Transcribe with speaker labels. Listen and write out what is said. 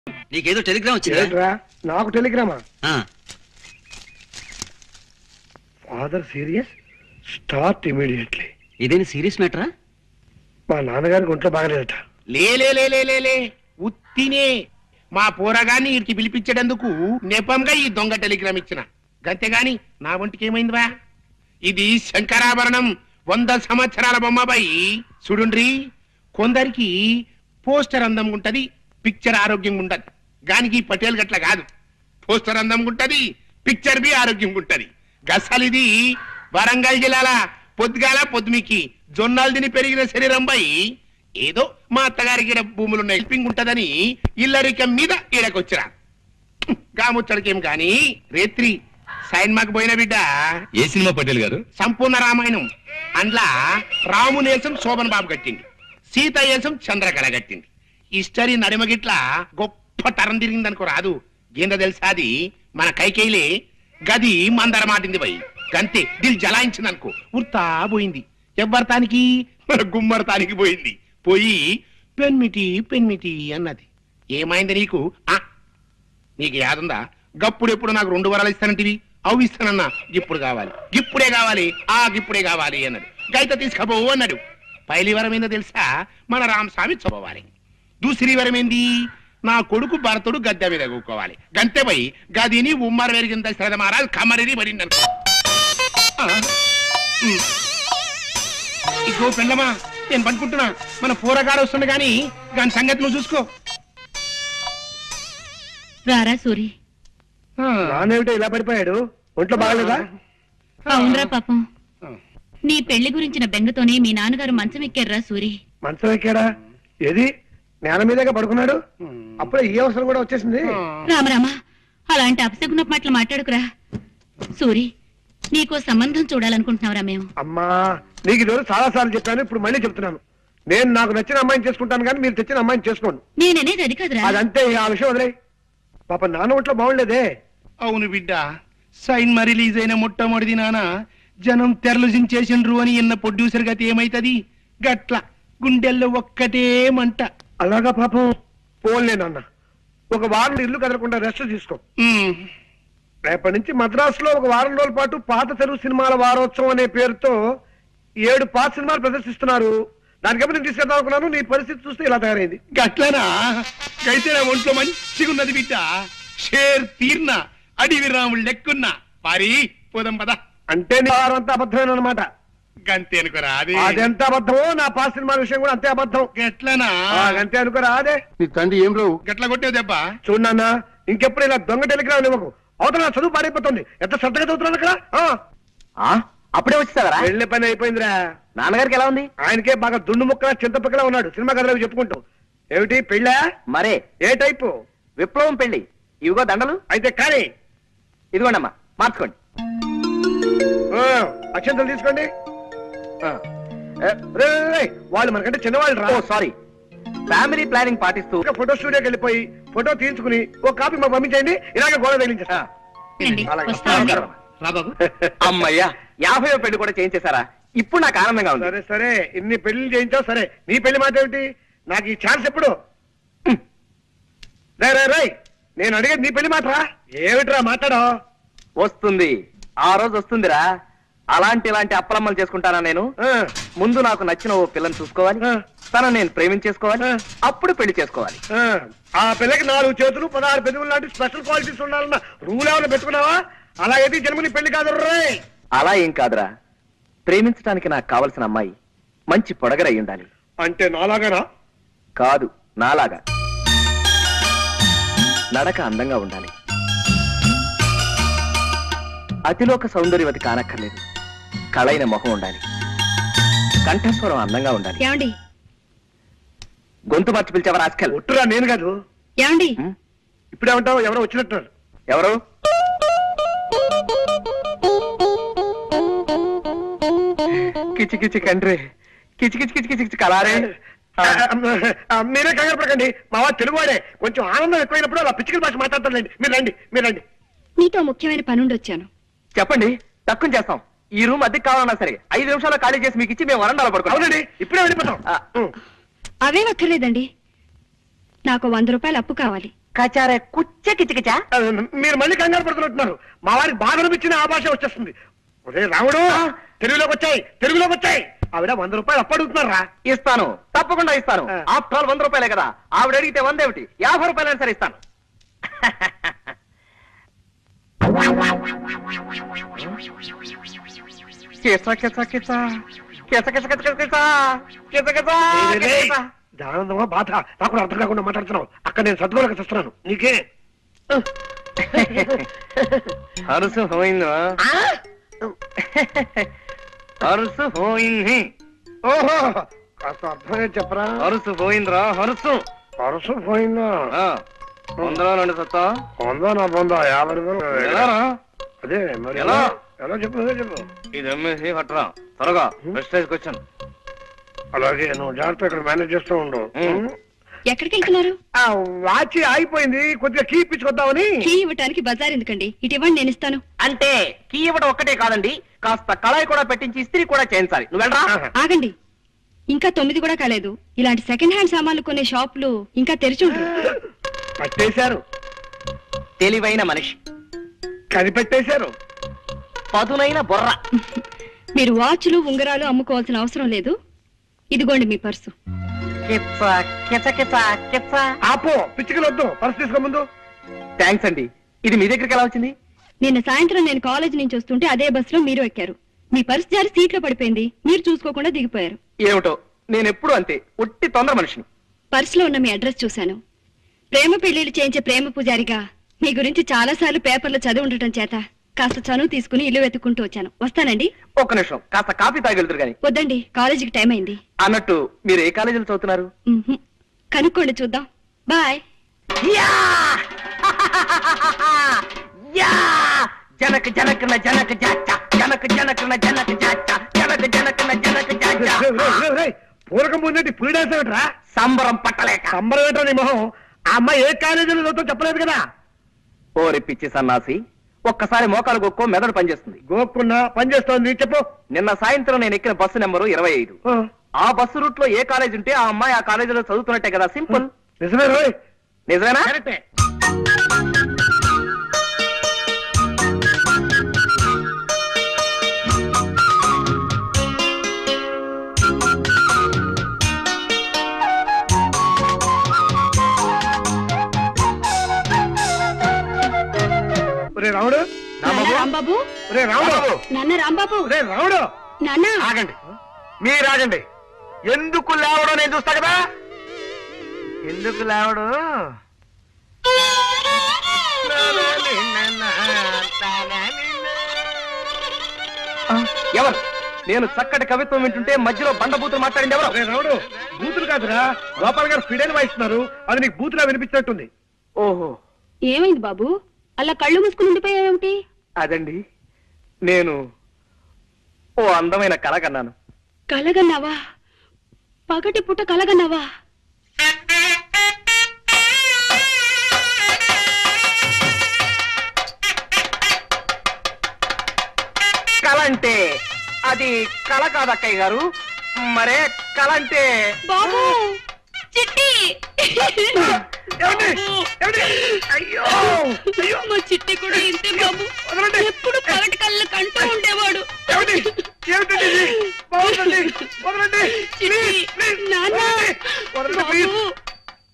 Speaker 1: నీకేదో టెలిగ్రామ్ వచ్చిందా?
Speaker 2: నాకు టెలిగ్రామా? Father serious, start immediately.
Speaker 1: ఇదేని సీరియస్ మ్యాటరా?
Speaker 2: మా నాన్నగారికి ఒంట్లో బాగలేదట.
Speaker 3: లే ఉత్తినే మా పోరగాన్ని వీరికి పిలిపించేటందుకు నెపంగా ఈ దొంగ టెలిగ్రామ్ ఇచ్చిన గంతేగాని నా ఒంటికి ఏమైందివా? ఇది శంకరాభరణం 100 సంవత్సరాల బొమ్మబాయి. చూడుండ్రి, కొందరికి పోస్టర్ అందం ఉంటది, పిక్చర్ ఆరోగ్యం ఉండదు. గానికి పటేల్ గట్ల కాదు, పోస్టర్ అందం ఉంటది, పిక్చర్ బి ఆరోగ్యం ఉంటది. గసలిది వరంగల్ జిల్లాల పొద్దుగాల పొద్దుమికి జొన్నాలు తిని పెరిగిన శరీరం బై ఏదో మా అత్తగారికి భూములున్న హెల్పింగ్ ఉంటదని ఇల్లరికం మీద ఈడకొచ్చిరా. గాముచ్చడికేం గాని రేత్రి సైన్మాకు పోయిన బిడ్డ.
Speaker 4: ఏ సినిమా పటేల్ గారు?
Speaker 3: సంపూర్ణ రామాయణం. అందులో రామునేసం శోభన్ బాబు కట్టింది, సీతయేసం చంద్రకళ కట్టింది. హిస్టరీ నడిమగిట్ల గొప్ప తరం తిరిగిందనుకో రాదు. ఏందో తెలుసా, అది మన కైకేయిలే గది మందర మాటింది పోయి గంతే దిల్ జలాయించిందనుకో ఉర్తా పోయింది. ఎవ్వరతానికి? మన గుమ్మరతానికి పోయింది. పోయి పెన్మిటి అన్నది. ఏమైంది నీకు? నీకు యాదుందా? గప్పుడెప్పుడు నాకు 2 వరాలు ఇస్తానంటివి, అవి ఇస్తానన్నా. ఇప్పుడు కావాలి, ఇప్పుడే కావాలి, ఇప్పుడే కావాలి అన్నాడు. గైత తీసుకపోవు అన్నాడు. పైలి వరం ఏందో తెలుసా? మన రామస్వామి చదవాలి. దూసరి వరం ఏంది? నా కొడుకు భరతుడు గద్దె మీద కూకోవాలి. గంతే పోయి గదిని ఉమ్మర వెరిగిన శ్రద్ధ మారాలి, కమరిని పడింది అనుకో. ఇగో పెళ్ళమా, నేను పనుకుంటున్నా. మన పోరగాడు వస్తుండే గాని దాని సంగతి నువ్వు చూసుకో.
Speaker 5: రారా సూరి.
Speaker 2: నానేమిటో ఇలా పడిపోయాడు? ఒంట్లో బాగలేదా?
Speaker 5: అవునరా పాపం, నీ పెళ్లి గురించిన బెంగతోనే మీ నాన్నగారు మంచం ఎక్కారా సూరి.
Speaker 2: మంచం ఎక్కాడా? ఏది నేల మీదగా పడుకున్నాడు? అప్పుడే ఈ అవసరం కూడా వచ్చేసింది.
Speaker 5: రామరామా, అలాంటి అపశకున మాటలు మాట్లాడుకురా సూరి. నీకో సంబంధం చూడాలనుకుంటున్నావురా మేము.
Speaker 2: అమ్మా, నీకు ఈరోజు చాలా సార్లు చెప్పాను, ఇప్పుడు మళ్ళీ చెప్తున్నాను. నేను నాకు నచ్చిన అమ్మాయిని చేసుకుంటాను కానీ మీరు తెచ్చిన అమ్మాయిని చేసుకోండి.
Speaker 5: నేననేది అది కాదురా.
Speaker 2: అదంతే, ఆ విషయం వదిలే. పాప నాన్న ఒంట్లో బాగుండలేదే.
Speaker 3: అవును బిడ్డ, సైన్మా రిలీజ్ అయిన మొట్టమొదటి నాన్న జనం తెరలు జించేసిండ్రు అని ఇన్న ప్రొడ్యూసర్ గతి ఏమైతది? గట్ల గుండెల్లో ఒక్కటే మంట.
Speaker 2: అలాగా పాపం. పోన్లే నాన్న, ఒక వారం ఇల్లు కదలకుండా రెస్ట్ తీసుకో. రేపటి నుంచి మద్రాసులో ఒక వారం రోజుల పాటు పాత తెలుగు సినిమాల వారోత్సవం అనే పేరుతో 7 పాత సినిమాలు ప్రదర్శిస్తున్నారు. దానికప్పుడు నేను తీసుకెళ్దాం అనుకున్నాను. నీ పరిస్థితి చూస్తే ఇలా తయారైంది.
Speaker 3: గట్లనా? అయితే నా ఒంట్లో మంచిగున్నది బిడ్డ. షేర్ తీర్న అడివి రాముడు లెక్కున్నా. పారి పోదాం పద.
Speaker 2: అంటే నీ వారంతా అబద్ధమైన అనమాట.
Speaker 3: గంతే అనుకోరా?
Speaker 2: అదెంత అబద్ధమో నా పాత సినిమాల విషయం కూడా అంతే అబద్ధం.
Speaker 3: గట్లనా?
Speaker 2: అంతే అనుకోరా? అదే నీ తండ్రి ఏం రావు
Speaker 3: గట్ల కొట్టావు దెబ్బ.
Speaker 2: చూడన్నా, ఇంకెప్పుడు ఇలా దొంగ టెలిగ్రామ్ ఇవ్వకు. అవతల చదువు పాడైపోతుంది. ఎంత శ్రద్ధగా చదువుతున్నాను అక్కడ.
Speaker 1: అప్పుడే వచ్చేసావరా?
Speaker 2: వెళ్ళే పని అయిపోయిందిరా.
Speaker 1: నాన్నగారికి ఎలా ఉంది?
Speaker 2: ఆయనకే బాగా దుండు ముక్కలా చింతపక్కలా ఉన్నాడు. సినిమా కథలు చెప్పుకుంటూ. ఏమిటి పెళ్ళా?
Speaker 1: మరే
Speaker 2: ఏ టైపు?
Speaker 1: విప్లవం పెళ్లి. ఇవిగో దండలు.
Speaker 2: అయితే కానీ
Speaker 1: ఇదిగోండమ్మా, మార్చుకోండి.
Speaker 2: అక్షంతలు తీసుకోండి. వాళ్ళు మనకంటే చిన్నవాళ్ళు రా.
Speaker 1: సారీ. ఫ్యామిలీ ప్లానింగ్ పాటిస్తూ
Speaker 2: ఫోటో స్టూడియోకి వెళ్ళిపోయి ఫోటో తీయించుకుని ఒక కాపీ మాకు పంపించండి. ఇలాగే గోడ తగిలించేస్తా.
Speaker 1: అమ్మయ్యా, 50వ పెళ్లి కూడా చేయించేశారా? ఇప్పుడు నాకు ఆనందంగా ఉంది.
Speaker 2: సరే సరే, ఇన్ని పెళ్లి చేయించావు సరే. నీ పెళ్లి మాట ఏమిటి? నాకు ఈ ఛాన్స్ ఎప్పుడు? రై, నేను అడిగేది నీ పెళ్లి మాట. ఏమిట్రా మాట్లాడో?
Speaker 1: వస్తుంది, ఆ రోజు వస్తుందిరా. ఇలాంటి అప్పలమ్మలు చేసుకుంటానా నేను? ముందు నాకు నచ్చిన ఓ పిల్లని చూసుకోవాలి, తనను నేను ప్రేమించేసుకోవాలి, అప్పుడు పెళ్లి చేసుకోవాలి.
Speaker 2: ఆ పిల్లకి 4 చేతులు 16 పెదవులు లాంటి స్పెషల్ క్వాలిటీస్ ఉండాలన్న రూల్ ఏమైనా పెట్టుకున్నావా? అలాగైతే జన్మని పెళ్లి కాదు.
Speaker 1: అలా ఏం కాదురా. ప్రేమించడానికి నాకు కావలసిన అమ్మాయి మంచి పొడగరై ఉండాలి.
Speaker 2: అంటే నాలాగానా?
Speaker 1: కాదు, నాలాగా. నడక అందంగా ఉండాలి, అతిలోక సౌందర్యవతి కానక్కర్లేదు. కళైన మొహం ఉండాలి, కంఠస్వరం అందంగా ఉండాలి.
Speaker 5: ఏమండి?
Speaker 1: గొంతు మార్చి పిలిచావా రాస్కల్?
Speaker 2: ఒట్టురా, నేను కాదు.
Speaker 5: ఏమండి?
Speaker 2: ఇప్పుడేమంటావు? ఎవరో వచ్చినట్టున్నారు.
Speaker 1: ఎవరు? కిచి కిచి కండ్రి, కిచి కిచి కిచి కిచి కలారే.
Speaker 2: మీరే కంగారు పడకండి, మా వాడు తెలుగువాడే. కొంచెం ఆనందం ఎక్కువైనప్పుడు అలా పిచ్చికల భాష మాట్లాడతారులేండి. మీరు రండి.
Speaker 5: నీతో ముఖ్యమైన పనుండి వచ్చాను.
Speaker 1: చెప్పండి, తక్కువ చేస్తాం. ఈ రూమ్ అద్దెకి కావాలన్నా సరే 5 నిమిషాల్లో ఖాళీ చేసి మీకు ఇచ్చి మేము వరండాలో పడుకోండి.
Speaker 2: అవునండి, ఇప్పుడే వెళ్ళిపోతాం.
Speaker 5: అవేం అక్కర్లేదండి, నాకు 100 రూపాయలు అప్పు కావాలి.
Speaker 1: కచారే కుచ్చ కిచకిచా.
Speaker 2: మీరు మళ్ళీ కంగారు పడుతున్నట్టున్నారు. మా వారికి బాధ అనిపించిన ఆ భాష వచ్చేస్తుంది. ఒరే రాముడు, తెలుగులోకి వచ్చాయి. ఆవిడ 100 రూపాయలు అప్పడుగుతున్నారా?
Speaker 1: ఇస్తాను, తప్పకుండా ఇస్తాను. ఆఫ్టర్ ఆల్ 100 రూపాయలే కదా. ఆవిడ అడిగితే 100 ఏమిటి, 50 రూపాయలైనా సరే ఇస్తాను.
Speaker 2: ఆనందమా బాధ నాకు అర్థం కాకుండా మాట్లాడుతున్నావు. అక్కడ నేను సర్దుకోలేక చూస్తున్నాను. నీకే
Speaker 1: హరుసు పోయిందా? హరుసు పోయింది.
Speaker 2: ఓహో, కాస్త అర్థమే చెప్పరా.
Speaker 1: హరుసు పోయిందిరా, హరుసు
Speaker 2: పోయిందా?
Speaker 1: వందలో నుండి సత్తా
Speaker 2: నా పొందా 50 రూపాయలు.
Speaker 1: ఎలారా?
Speaker 2: అదే మరి
Speaker 1: ఎలా
Speaker 2: చెప్పు.
Speaker 1: ఇది అమ్మేసి పట్టరా త్వరగా. ప్రెస్టేజ్కి వచ్చాను.
Speaker 2: అలాగే నువ్వు జాగ్రత్త ఇక్కడ మేనేజ్ చేస్తూ ఉండు.
Speaker 5: ఎక్కడికి వెళ్తున్నారు?
Speaker 2: వాచి ఆగిపోయింది, కొద్దిగా కీ ఇప్పించుకొద్దామని.
Speaker 5: కీ ఇవ్వటానికి బజార్ ఎందుకండి, ఇటు ఇవ్వండి, నేను ఇస్తాను.
Speaker 1: అంటే కీ ఇవ్వడం ఒక్కటే కాదండి, కాస్త కళాయి కూడా పెట్టించి ఇస్త్రీ కూడా చేయించాలి. నువ్వు వెళ్ళరా.
Speaker 5: ఆగండి, ఇంకా 9 కూడా కాలేదు. ఇలాంటి సెకండ్ హ్యాండ్ సామాన్లు కొనే షాపులు ఇంకా తెరిచి ఉండరు.
Speaker 2: పట్టేశారు.
Speaker 1: తెలివైన మనిషి
Speaker 2: కనిపెట్టేశారు.
Speaker 1: పదునైన బొర్ర.
Speaker 5: మీరు వాచ్లు ఉంగరాలు అమ్ముకోవాల్సిన అవసరం లేదు. ఇదిగోండి మీ పర్సు.
Speaker 2: ఆపో, పిచ్చికలు వద్దు. పర్సు తీసుకో ముందు.
Speaker 1: థ్యాంక్స్ అండి. ఇది మీ దగ్గరికి ఎలా వచ్చింది?
Speaker 5: నిన్న సాయంత్రం నేను కాలేజ్ నుంచి వస్తుంటే అదే బస్సులో మీరు ఎక్కారు. మీ పర్సు జారి సీట్లో పడిపోయింది. మీరు చూసుకోకుండా దిగిపోయారు.
Speaker 1: ఏమిటో, నేను ఎప్పుడు అంతే, ఒట్టి తొందర మనిషిని.
Speaker 5: పర్సులో ఉన్న మీ అడ్రస్ చూశాను. ప్రేమ పెళ్లిళ్ళు చేయించే ప్రేమ పూజారిగా మీ గురించి చాలా సార్లు పేపర్లో చదివి ఉండటం చేత కాస్త చనువు తీసుకుని ఇల్లు వెతుక్కుంటూ వచ్చాను. వస్తానండి.
Speaker 1: ఒక్క నిమిషం, కాస్త కాఫీ తాగెళ్తారు గాని.
Speaker 5: వద్దండి, కాలేజీకి టైం అయింది.
Speaker 1: అన్నట్టు మీరు ఏ కాలేజీలో చదువుతున్నారు?
Speaker 5: కనుక్కోండి, చూద్దాం. బాయ్.
Speaker 1: జనక జనకన జనక జాచా, జనక జనకన జనక జాచా, జనక జనకన జనక జాచా.
Speaker 2: పూరకం ముందేంటి పులి డాన్స్ ఏమిట్రా?
Speaker 1: సంబరం పట్టలేక.
Speaker 2: సంబరం ఏంటో నీ మొహం. ఆ అమ్మాయి ఏ కాలేజీలో చదువుతో చెప్పలేదు కదా.
Speaker 1: ఓరి పిచ్చి సన్నాసి, ఒక్కసారి మోకాలు గొక్కో మెదడు పనిచేస్తుంది.
Speaker 2: గోక్కున్నా పనిచేస్తోంది. చెప్పు.
Speaker 1: నిన్న సాయంత్రం నేను ఎక్కిన బస్సు నెంబరు 25. ఆ బస్సు రూట్ లో ఏ కాలేజ్ ఉంటే ఆ అమ్మాయి ఆ కాలేజీలో చదువుతున్నట్టే కదా. సింపుల్.
Speaker 2: నిజమే రోయ్.
Speaker 1: నిజమేనా?
Speaker 2: రాముడు,
Speaker 5: రాంబాబు,
Speaker 2: రాముడు,
Speaker 5: నాన్న రాంబాబు,
Speaker 2: రాముడు,
Speaker 5: నాన్న
Speaker 1: ఆగండి, మీరు ఆగండి. ఎందుకు లేవడో నేను చూస్తా కదా. ఎందుకు లేవడు? ఎవరు? నేను చక్కటి కవిత్వం వింటుంటే మధ్యలో బండబూతులు మాట్లాడింది ఎవరు?
Speaker 2: రాముడు, బూతులు కాదురా, గోపాల్ గారు ఫిడైన్ వాయిస్తున్నారు. అది నీకు బూతులా వినిపించినట్టుంది.
Speaker 1: ఓహో,
Speaker 5: ఏమైంది బాబు, అలా కళ్ళు మూసుకుని ఉండిపోయావేమిటి?
Speaker 1: అదండి, నేను ఓ అందమైన కళ కన్నాను.
Speaker 5: కలగన్నావా? పగటి పుట్ట కలగన్నావా?
Speaker 1: కళ అంటే అది కళ కాదు అక్కయ్య గారు. మరే కళ అంటే
Speaker 5: బాబు, చిట్టి.
Speaker 2: అయ్యో,
Speaker 5: మా చిట్టి కూడా ఇంతే బాబు. ఎప్పుడు పగటి కళ్ళు కంటూ ఉండేవాడు. చిట్టి, నాన్న, బాబు.